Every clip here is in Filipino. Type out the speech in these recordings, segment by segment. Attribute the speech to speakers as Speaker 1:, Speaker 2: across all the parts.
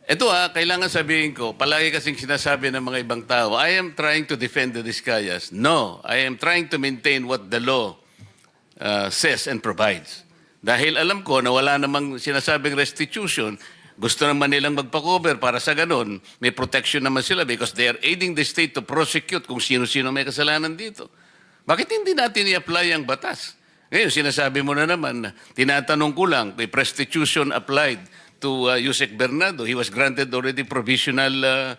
Speaker 1: Ito kailangan sabihin ko, palagi kasing sinasabi ng mga ibang tao, I am trying to defend the Discayas. No, I am trying to maintain what the law says and provides. Dahil alam ko na wala namang sinasabing restitution, gusto naman nilang magpa-cover para sa ganun, may protection naman sila because they are aiding the state to prosecute kung sino-sino may kasalanan dito. Bakit hindi natin i-apply ang batas? Ngayon, sinasabi mo na naman, tinatanong ko lang, may restitution applied to Yusek Bernardo. He was granted already provisional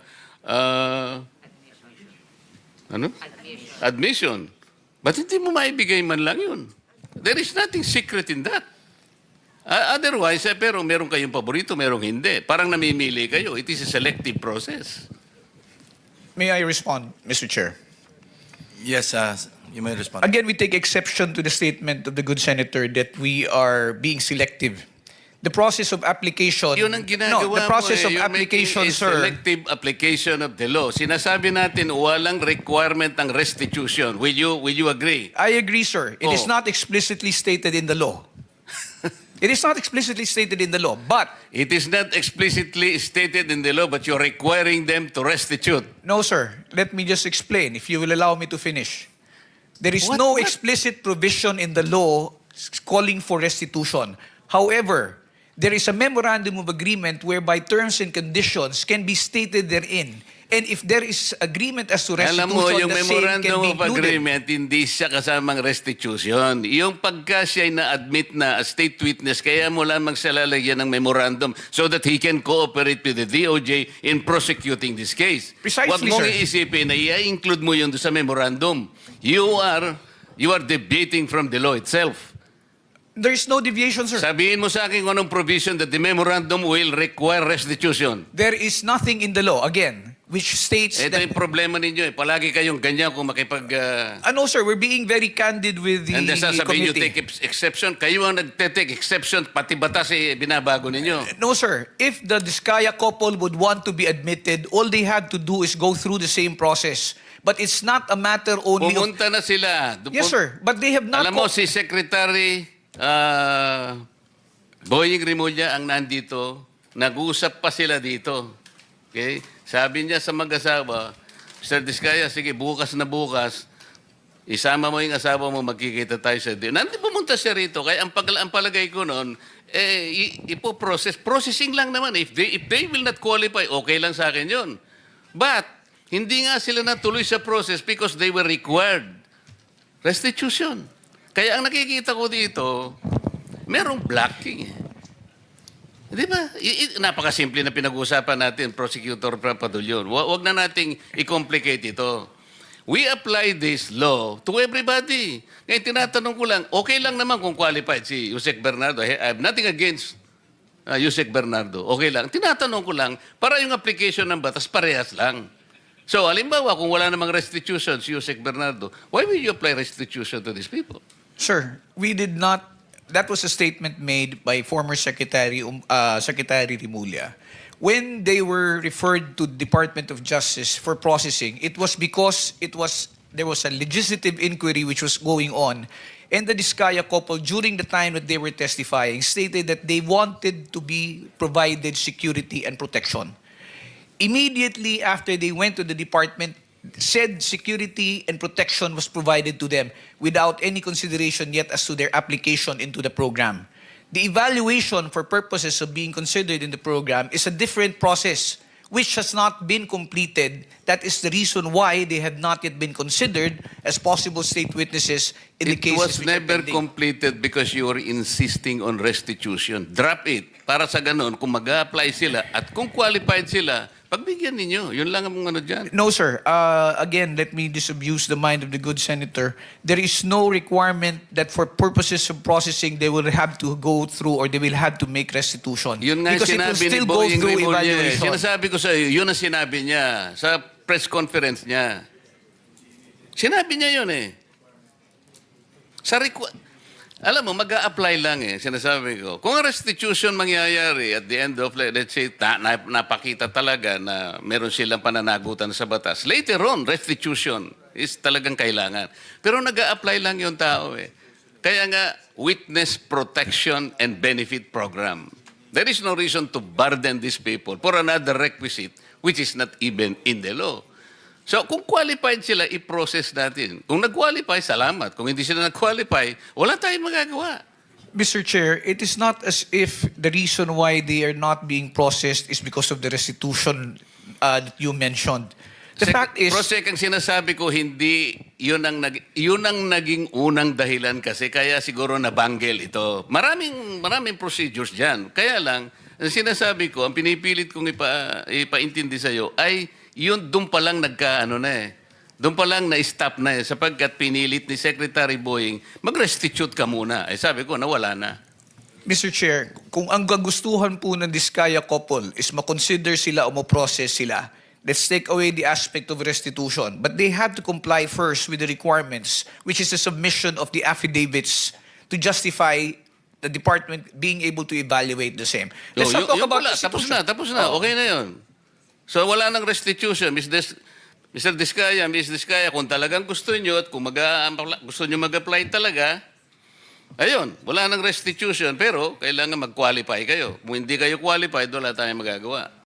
Speaker 1: admission. But hindi mo maibigay man lang yun. There is nothing secret in that. Otherwise, pero meron kayong paborito, merong hindi. Parang namimili kayo. It is a selective process.
Speaker 2: May I respond, Mr. Chair?
Speaker 3: Yes, you may respond.
Speaker 2: Again, we take exception to the statement of the good senator that we are being selective. The process of application...
Speaker 1: Yun ang ginagawa
Speaker 2: no, the process
Speaker 1: mo,
Speaker 2: of
Speaker 1: You're
Speaker 2: application,
Speaker 1: making a
Speaker 2: sir...
Speaker 1: selective application of the law. Sinasabi natin, walang requirement ng restitution. Will you agree?
Speaker 2: I agree, sir. It is
Speaker 1: Oh.
Speaker 2: not explicitly stated in the law. It is not explicitly stated in the law, but...
Speaker 1: It is not explicitly stated in the law, but you're requiring them to restitute.
Speaker 2: No, sir. Let me just explain, if you will allow me to finish. There is
Speaker 1: What-
Speaker 2: no
Speaker 1: what?
Speaker 2: explicit provision in the law calling for restitution. However, there is a memorandum of agreement whereby terms and conditions can be stated therein. And if there is agreement as to restitution,
Speaker 1: Alam mo, yung
Speaker 2: the same can
Speaker 1: memorandum
Speaker 2: be
Speaker 1: of
Speaker 2: included.
Speaker 1: agreement, hindi siya kasamang restitution. Yung pagka siya na-admit na as state witness, kaya mo lamang siya lalagyan ng memorandum so that he can cooperate with the DOJ in prosecuting this case.
Speaker 2: Precisely,
Speaker 1: Huwag mong
Speaker 2: sir.
Speaker 1: iisipin na i-include mo yun sa memorandum. You are deviating from the law itself.
Speaker 2: There is no deviation, sir.
Speaker 1: Sabihin mo sa akin kung anong provision that the memorandum will require restitution.
Speaker 2: There is nothing in the law, again, which states
Speaker 1: Ito
Speaker 2: that...
Speaker 1: yung problema ninyo. Palagi kayong ganyan kung makipag...
Speaker 2: No, sir, we're being very candid with the
Speaker 1: And then sasabihin nyo,
Speaker 2: committee.
Speaker 1: take exception. Kayo ang nagte-take exception, pati batas binabago ninyo.
Speaker 2: No, sir. If the Diskaya couple would want to be admitted, all they have to do is go through the same process. But it's not a matter only of...
Speaker 1: Pumunta na sila.
Speaker 2: Yes, sir. But they have not...
Speaker 1: Alam mo, si Secretary Boying Rimulya ang nandito. Nag-uusap pa sila dito. Okay? Sabi niya sa mag-asawa, Mr. Diskaya, sige, bukas na bukas, isama mo yung asawa mo, magkikita tayo sa dinner. Nandito pumunta siya rito. Kaya ang palagay ko noon, processing lang naman. If they will not qualify, okay lang sa akin yun. But, hindi nga sila natuloy sa process because they were required restitution. Kaya ang nakikita ko dito, merong blocking. Di ba? Napakasimple na pinag-uusapan natin, Prosecutor Padulion. Huwag na nating i-complicate ito. We apply this law to everybody. Ngayon, tinatanong ko lang, okay lang naman kung qualified si Yusek Bernardo. I have nothing against Yusek Bernardo. Okay lang. Tinatanong ko lang, para yung application ng batas, parehas lang. So, halimbawa, kung wala namang restitution si Yusek Bernardo, why will you apply restitution to these people?
Speaker 2: Sir, we did not... That was a statement made by former Secretary Rimulya. When they were referred to Department of Justice for processing, it was because there was a legislative inquiry which was going on. And the Diskaya couple, during the time that they were testifying, stated that they wanted to be provided security and protection. Immediately after they went to the department, said security and protection was provided to them without any consideration yet as to their application into the program. The evaluation for purposes of being considered in the program is a different process which has not been completed. That is the reason why they have not yet been considered as possible state witnesses in the
Speaker 1: It
Speaker 2: cases
Speaker 1: was
Speaker 2: which are
Speaker 1: never
Speaker 2: pending.
Speaker 1: completed because you were insisting on restitution. Drop it. Para sa ganun, kung mag-a-apply sila at kung qualified sila, pagbigyan ninyo. Yun lang ang ano dyan.
Speaker 2: No, sir. Again, let me disabuse the mind of the good senator. There is no requirement that for purposes of processing, they will have to go through or they will have to make restitution.
Speaker 1: Yun nga
Speaker 2: Because it will
Speaker 1: sinabi ni
Speaker 2: still go
Speaker 1: Boying
Speaker 2: through
Speaker 1: Rimulya.
Speaker 2: evaluation.
Speaker 1: Sinasabi ko sa iyo, yun ang sinabi niya sa press conference niya. Sinabi niya yun eh. Alam mo, mag-a-apply lang eh, sinasabi ko. Kung ang restitution mangyayari at the end of, let's say, napakita talaga na meron silang pananagutan sa batas, later on, restitution is talagang kailangan. Pero nag-a-apply lang yung tao eh. Kaya nga, Witness Protection and Benefit Program. There is no reason to burden these people for another requisite which is not even in the law. So kung qualified sila, i-process natin. Kung nag-qualify, salamat. Kung hindi sila nag-qualify, wala tayong magagawa.
Speaker 2: Mr. Chair, it is not as if the reason why they are not being processed is because of the restitution that you mentioned. The fact is...
Speaker 1: Prosek, ang sinasabi ko, hindi, yun ang naging unang dahilan kasi, kaya siguro nabanggel ito. Maraming procedures dyan. Kaya lang, ang sinasabi ko, ang pinipilit kong ipaintindi sa'yo, ay yun doon pa lang doon pa lang na-stop na sapagkat pinilit ni Secretary Boying, mag-restitute ka muna. Sabi ko, nawala na.
Speaker 2: Mr. Chair, kung ang gagustuhan po ng Diskaya couple is makonsider sila o ma-process sila, let's take away the aspect of restitution. But they have to comply first with the requirements, which is the submission of the affidavits to justify the department being able to evaluate the same. Let's not talk about restitution.
Speaker 1: Tapos na. Okay na yun. So wala nang restitution. Mr. Diskaya, Ms. Diskaya, kung talagang gusto nyo at kung gusto nyo mag-apply talaga, ayun, wala nang restitution, pero kailangan mag-qualify kayo. Kung hindi kayo qualified, wala tayong magagawa.